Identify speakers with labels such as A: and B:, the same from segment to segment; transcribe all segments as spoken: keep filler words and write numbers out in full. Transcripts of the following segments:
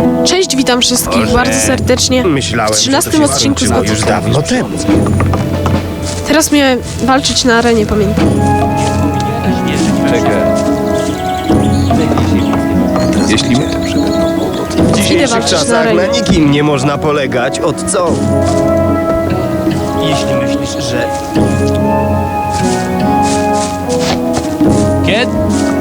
A: Cześć, witam wszystkich
B: Boże.
A: bardzo serdecznie
B: Myślałem,
A: w trzynastym
B: że to się
A: odcinku z
B: skończyło
A: Gotów.
B: już dawno temu.
A: Teraz miałem walczyć na arenie, pamiętam.
C: Czekaj. Jeśli w
A: Idę
B: dzisiejszych
A: walczyć na
B: czasach na
A: arenie.
B: nikim nie można polegać. Od co? Jeśli myślisz, że...
C: Kiedy?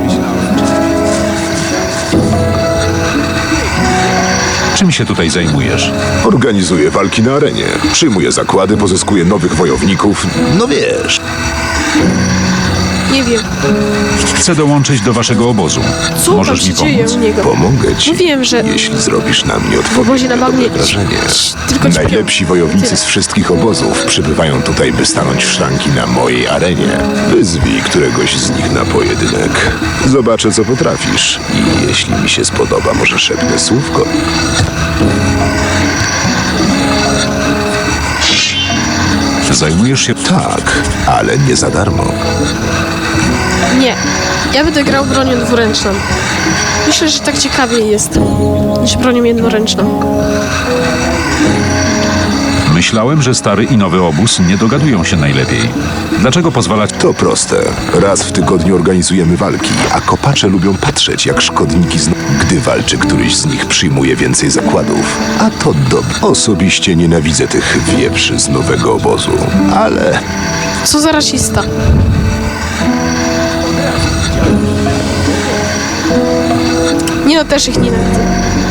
D: Czym się tutaj zajmujesz?
E: Organizuję walki na arenie. Przyjmuję zakłady, pozyskuję nowych wojowników. No wiesz.
A: Nie wiem,
D: Chcę dołączyć do waszego obozu.
A: co tam
D: Możesz
A: się
D: mi
A: dzieje
D: pomóc?
A: u niego.
E: Pomogę ci.
A: Mówiłem, że
E: Jeśli zrobisz na mnie
A: w obozie na
E: odpowiednio
A: bagnie
E: dobre wrażenie.
A: tylko ćpią.
E: Najlepsi wojownicy
A: Tyle.
E: z wszystkich obozów przybywają tutaj, by stanąć w szranki na mojej arenie. Wyzwij któregoś z nich na pojedynek. Zobaczę, co potrafisz. I jeśli mi się spodoba, może szepnę słówko.
D: Zajmujesz się...
E: Tak, ale nie za darmo.
A: Nie, ja będę grał bronią dwuręczną. Myślę, że tak ciekawiej jest niż bronią jednoręczną.
D: Myślałem, że stary i nowy obóz nie dogadują się najlepiej. Dlaczego pozwalać...
E: To proste. Raz w tygodniu organizujemy walki, a kopacze lubią patrzeć, jak szkodniki zna... Gdy walczy któryś z nich, przyjmuje więcej zakładów. A to dobre. Osobiście nienawidzę tych wieprzy z nowego obozu. Ale
A: Co za rasista. Nie no, też ich nienawidzę.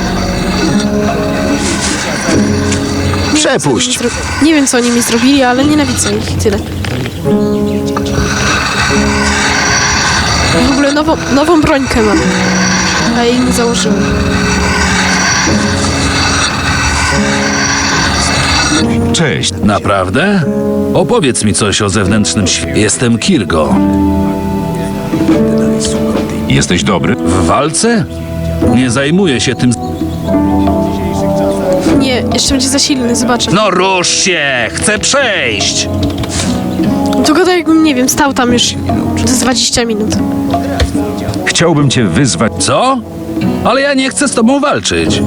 E: przepuść!
A: Zro- Nie wiem, co oni mi zrobili, ale nienawidzę ich i tyle. W ogóle nową, nową brońkę mam. A jej nie założyłem.
D: Cześć.
F: Naprawdę? Opowiedz mi coś o zewnętrznym świecie. Jestem Kirgo.
D: Jesteś dobry?
F: W walce? Nie zajmuję się tym.
A: Nie, jeszcze będzie za silny, zobaczę.
F: No rusz się! Chcę przejść!
A: To gada jakbym, nie wiem, stał tam już z dwadzieścia minut.
D: Chciałbym cię wyzwać...
F: Co? Ale ja nie chcę z tobą walczyć.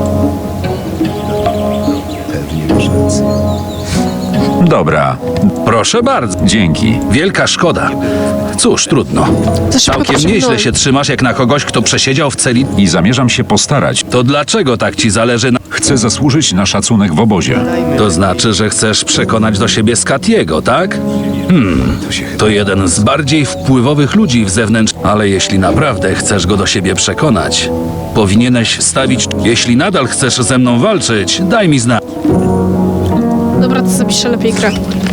D: Dobra.
F: Proszę bardzo.
D: Dzięki.
F: Wielka szkoda. Cóż, trudno.
A: To szybko
F: Całkiem
A: to
F: nieźle
A: szybnąłem.
F: się trzymasz jak na kogoś, kto przesiedział w celi.
D: I zamierzam się postarać.
F: To dlaczego tak ci zależy na...
D: Chcę zasłużyć na szacunek w obozie.
F: To znaczy, że chcesz przekonać do siebie Skatiego, tak? Hmm, to jeden z bardziej wpływowych ludzi w zewnętrz... Ale jeśli naprawdę chcesz go do siebie przekonać, powinieneś stawić... Jeśli nadal chcesz ze mną walczyć, daj mi znać.
A: Dobra, to zapiszę lepiej grę.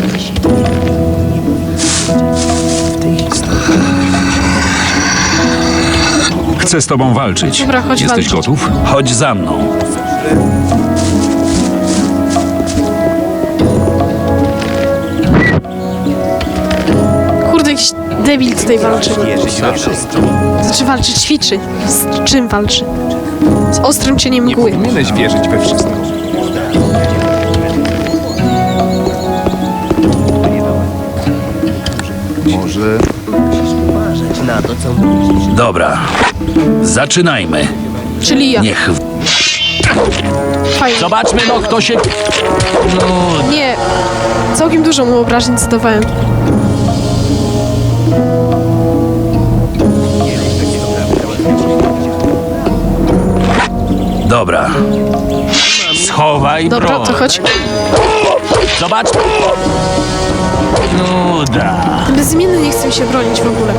D: Chcę z tobą walczyć.
A: Dobra, chodź
D: Jesteś
A: walczyć.
D: gotów?
F: Chodź za mną.
A: Kurde, jakiś debil tutaj walczy. Znaczy walczy, ćwiczy. Z czym walczy? Z ostrym cieniem mgły.
C: Powinieneś wierzyć we wszystko. Może...
F: Dobra, zaczynajmy.
A: Czyli ja.
F: Niech...
A: Fajnie.
F: Zobaczmy, no kto się...
A: Nie, całkiem dużo mu obrażeń zadawałem.
F: Dobra.
G: Schowaj
A: Dobra,
G: broń.
A: to chodź.
G: Zobacz. Nuda.
A: Ten bezimienny nie chce mi się bronić w ogóle.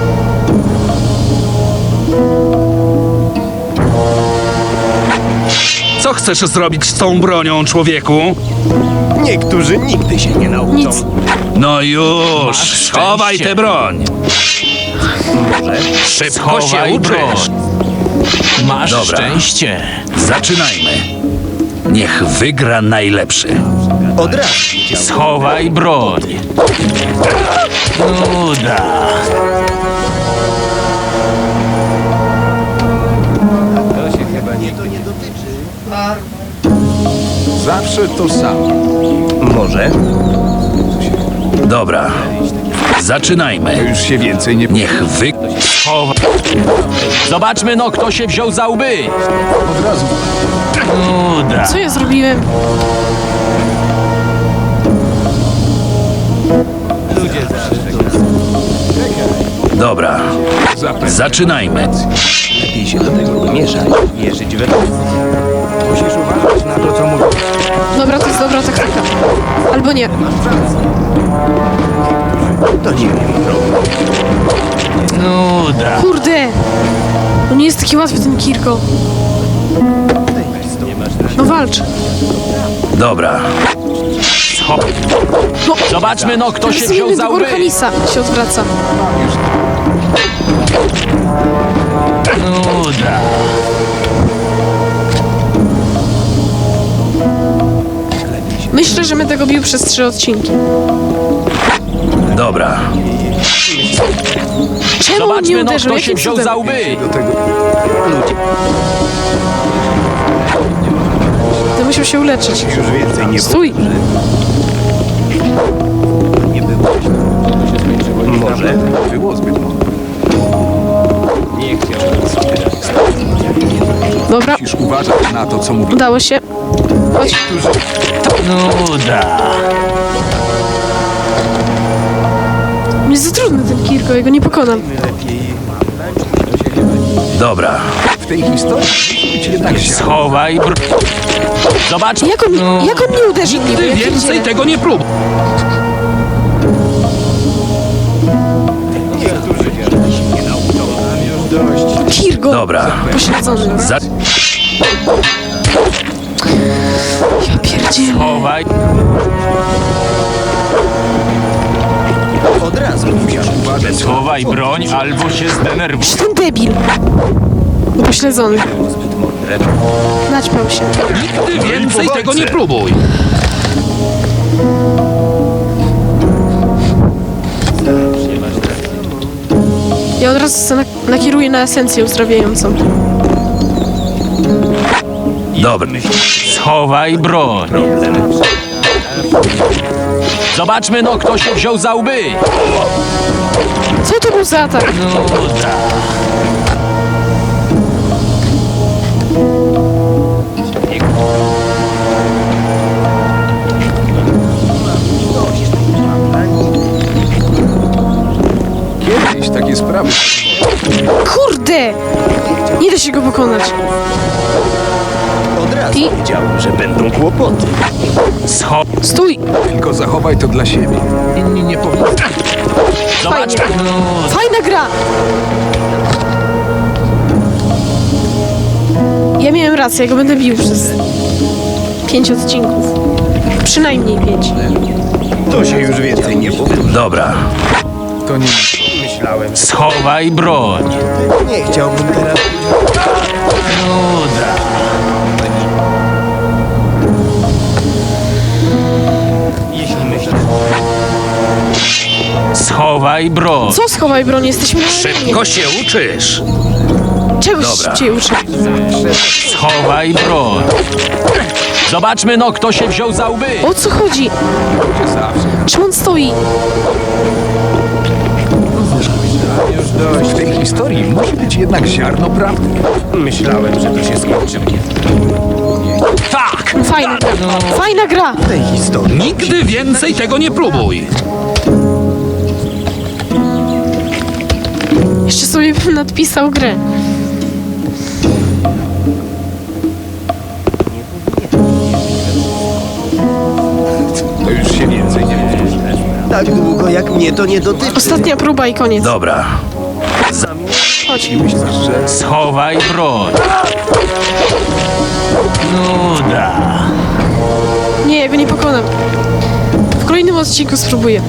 F: Co chcesz zrobić z tą bronią, człowieku?
B: Niektórzy nigdy się nie nauczą.
A: Nic.
F: No już,
G: Masz
F: schowaj
G: szczęście.
F: tę broń. Szybko się
G: Schowaj
F: uczysz.
G: broń. Masz
F: Dobra.
G: szczęście.
F: Zaczynajmy. Niech wygra najlepszy.
B: Od razu.
G: Schowaj broń. Nuda.
C: Zawsze to samo.
B: Może?
F: Dobra. Zaczynajmy.
C: Już się więcej nie...
F: Niech wy...
G: Schowaj. Zobaczmy, no kto się wziął za łby.
C: Od razu.
G: Nuda.
A: Co ja zrobiłem?
F: Dobra, zaczynajmy.
B: Lepiej się do tego nie mieszać. Wierzyć we mnie. Musisz uważać na to, co mówisz.
A: Dobra, to jest dobra taktyka. Albo nie.
B: To nie wiem, problem.
G: Nuda.
A: Kurde! No nie jest taki łatwy ten Kirko. No walcz.
F: Dobra,
G: Scho...
A: No,
G: Zobaczmy, no kto się
A: teraz
G: wziął
A: inny
G: za
A: do
G: łby.
A: Orkanisa się odwraca.
G: Nuda.
A: Myślę, że będę go bił przez trzy odcinki.
F: dobra,
A: Czemu on nie
G: Zobaczmy, no
A: uderzył?
G: kto się
A: Jakim
G: wziął
A: cudem?
G: za łby.
C: Do tego
A: To musiał się uleczyć.
B: Już więcej nie
A: Stój!
B: nie było. Może.
C: było zbyt mało.
B: Nie chciał.
A: Dobra,
C: Musisz uważać na to, co mówisz.
A: udało się. Chodź.
G: Nuda.
A: Jest za trudny ten Kirko, ja go nie pokonam.
F: dobra,
C: W tej historii musi być jednak ziarno.
G: Schowaj bro... Zobacz.
A: Jak on, jak on nie uderzył niby?
F: ty
A: Ja
F: więcej
A: pierdzielę.
F: tego nie próbuj.
A: Kirgo!
F: Dobra,
A: Pośledzony.
F: za...
A: Ja pierdzielę.
G: Schowaj.
B: Od razu musisz uważać.
G: Schowaj broń, albo się zdenerwuj.
A: Czy ten debil? Pośledzony. Naćpał się.
F: Ty więcej tego nie próbuj.
A: Ja od razu se nak- nakieruję na esencję uzdrawiającą.
F: Dobra,
G: Schowaj broń. Zobaczmy, no kto się wziął za łby.
A: Co to był za atak?
G: Nuda.
C: Kiedyś takie sprawy
A: Kurde! Nie da się go pokonać.
B: Od razu
A: I-
B: wiedziałem, że będą kłopoty.
G: Scho...
A: Stój!
C: tylko zachowaj to dla siebie. Inni nie powinni.
G: Zobacz.
A: Fajnie.
G: Nuda.
A: Fajna gra! Ja miałem rację, ja go będę bił przez pięć odcinków. Przynajmniej pięć.
B: To się już więcej nie powtórzy.
F: dobra,
C: To nie
B: Myślałem,
G: Schowaj broń.
B: nie chciałbym teraz.
G: Nuda.
B: Jeśli myślisz,
G: Schowaj broń.
A: Co schowaj broń? Jesteśmy na
F: szybko się uczysz.
A: Czegoś
F: Dobra.
A: szybciej uczę.
G: Schowaj broń. Zobaczmy, no kto się wziął za łby.
A: O co chodzi? Czemu on stoi?
C: W tej historii musi być jednak ziarno prawdy.
B: myślałem, że to się skończy.
G: Tak.
A: Fajna gra. Fajna gra!
B: W tej historii
F: Nigdy więcej tego nie próbuj.
A: Jeszcze sobie bym nadpisał grę.
C: To już się więcej nie powtórzy.
B: tak długo jak mnie to nie dotyczy.
A: Ostatnia próba i koniec.
F: Dobra,
A: Chodź.
C: Myślisz, że
G: Schowaj broń. Nuda.
A: Nie, ja go nie pokonam. W kolejnym odcinku spróbuję.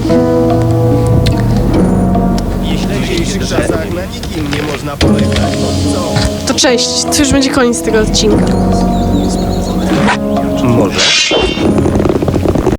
B: Jeśli w dzisiejszych czasach na nikim nie można polegać, to co?
A: To cześć. To już będzie koniec tego odcinka.
B: Może.